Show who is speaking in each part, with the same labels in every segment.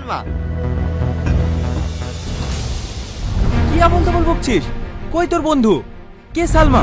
Speaker 1: সালমা।
Speaker 2: কি এমন তেমন বকছিস? কই তোর বন্ধু? কে সালমা?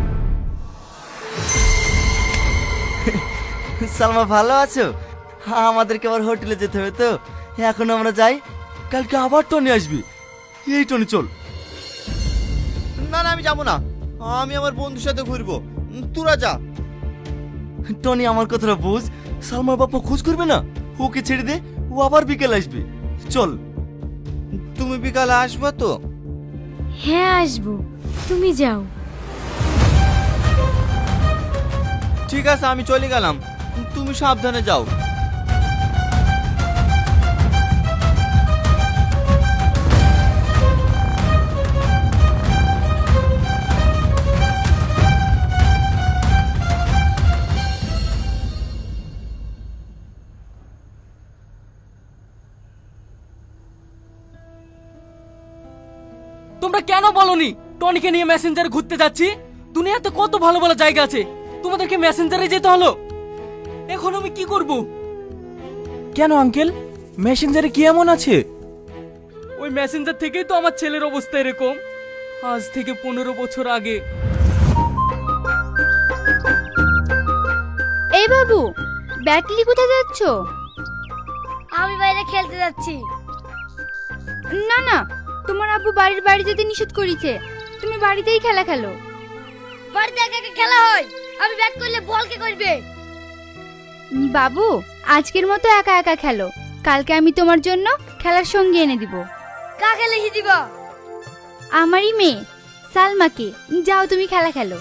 Speaker 1: সালমা ভালো আছো? আমাদেরকে আবার হোটেলে যেতে হবে তো, এখন আমরা যাই, কালকে আবার টনি আসবি। এই টনি চল। না না আমি যাবো না, আমি আমার বন্ধুর সাথে ঘুরবো, তোরা যা। টনি আমার কথাটা বুঝ, সালমার বাবা খোঁজ করবে না, ওকে ছেড়ে দে, ও আবার বিকেল আসবে। চল। তুমি বিকালে আসবে তো?
Speaker 3: হ্যাঁ আসবো, তুমি যাও।
Speaker 1: ঠিক আছে আমি চলে গেলাম, তুমি সাবধানে যাও।
Speaker 4: তোমরা কেন বলনি টনিকে নিয়ে মেসেঞ্জারে ঘুরতে যাচ্ছি? দুনিয়াতে কত ভালো ভালো জায়গা আছে, তোমাদেরকে মেসেঞ্জারে যেতে হলো। এখন আমি কি করব?
Speaker 2: কেন আঙ্কেল, মেসেঞ্জারে কি এমন আছে?
Speaker 4: ওই মেসেঞ্জার থেকেই তো আমার ছেলের অবস্থা এরকম। আজ থেকে 15 বছর আগে।
Speaker 3: এই বাবু, ব্যাটলি কোথায় যাচ্ছ?
Speaker 5: আমি বাইরে খেলতে যাচ্ছি।
Speaker 3: না না, তোমার আব্বু বাড়ির বাইরে যেতে নিষেধ করেছে, তুমি বাড়িতেই খেলা খেলো।
Speaker 5: বাড়িতে একা একা খেলা হয়, আমি ব্যাট করলে বল কে করবে?
Speaker 3: বাবু, আজকের মতো একা একা খেলো, কালকে আমি তোমার জন্য খেলার সঙ্গী এনে দিব।
Speaker 5: কাকে লিখে দিবা?
Speaker 3: আমারই মেয়ে সালমাকে। যাও তুমি খেলা খেলো।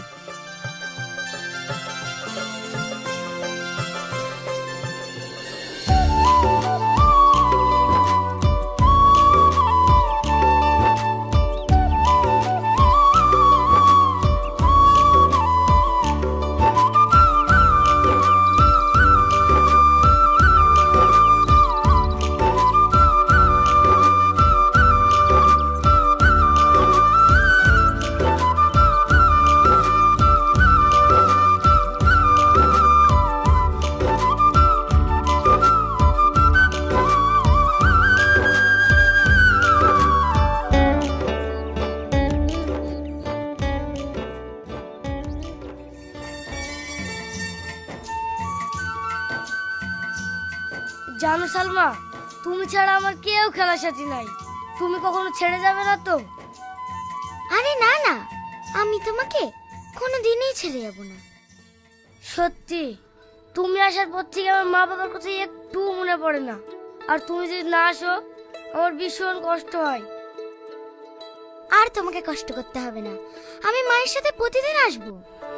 Speaker 5: জানো সালমা, তুমি ছাড়া আমার কেউ খেলার সাথী নাই। তুমি কখনো ছেড়ে যাবে না তো?
Speaker 3: আরে না না, আমি তোমাকে কোনোদিনই ছেড়ে যাব না।
Speaker 5: সত্যি, তুমি আসার পর থেকে আমার মা বাবার কথা একটু মনে পড়ে না। আর তুমি যদি না আসো, আমার ভীষণ কষ্ট হয়।
Speaker 3: আর তোমাকে কষ্ট করতে হবে না, আমি মায়ের সাথে প্রতিদিন আসবো।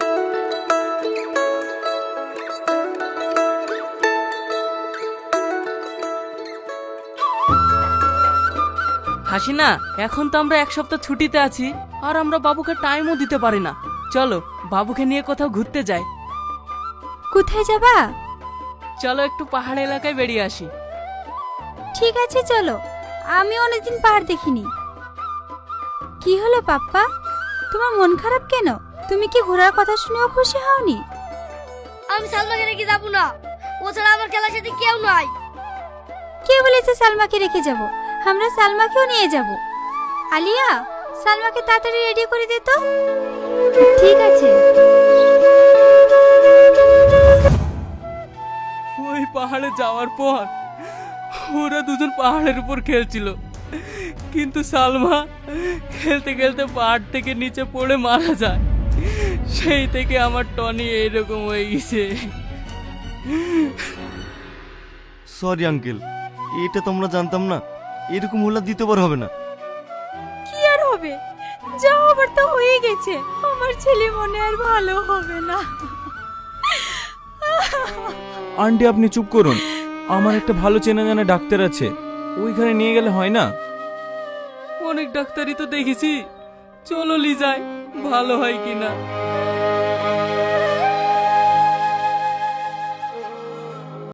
Speaker 4: হাসিনা, এখন তো আমরা 1 সপ্তাহ ছুটিতে আছি, আর আমরা বাবুকে টাইমও দিতে পারি না। চলো বাবুকে নিয়ে কোথাও ঘুরতে যাই।
Speaker 3: কোথায় যাবা?
Speaker 4: চলো একটু পাহাড় এলাকায় বেরিয়ে আসি।
Speaker 3: ঠিক আছে চলো, আমি অনেকদিন পাহাড় দেখিনি। কি হলো পাপ্পা, তোমার মন খারাপ কেন? তুমি কি ঘোরার কথা শুনেও খুশি হওনি?
Speaker 5: আমি সালমাকে রেখে যাবো না, ও ছাড়া আমার খেলার সাথে কেউ নাই।
Speaker 3: কে বলেছে সালমাকে রেখে যাব? আমরা সালমাকেও নিয়ে যাব। আলিয়া, সালমাকে তাড়াতাড়ি রেডি করে দে তো। ঠিক আছে।
Speaker 4: ওই পাহাড়ে যাওয়ার পর ওরা দুজন পাহাড়ের উপর খেলছিল, কিন্তু সালমা খেলতে খেলতে পাহাড় থেকে নিচে পড়ে মারা যায়। সেই থেকে আমার টনি এইরকম হয়ে গেছে।
Speaker 1: সরি আঙ্কেল, এটা তোমরা জানতাম না, এরকম হলে দ্বিতীয়বার হবে না।
Speaker 3: কি আর হবে, যা হবার তো হয়ে গেছে। আমার ছেলে মনে আর ভালো হবে না।
Speaker 2: আন্টি আপনি চুপ করুন, আমার একটা ভালো চেনা জানা ডাক্তার আছে, ওইখানে নিয়ে গেলে হয় না?
Speaker 4: অনেক ডাক্তারই তো দেখেছি, চলো লিজাই, ভালো হয় কিনা।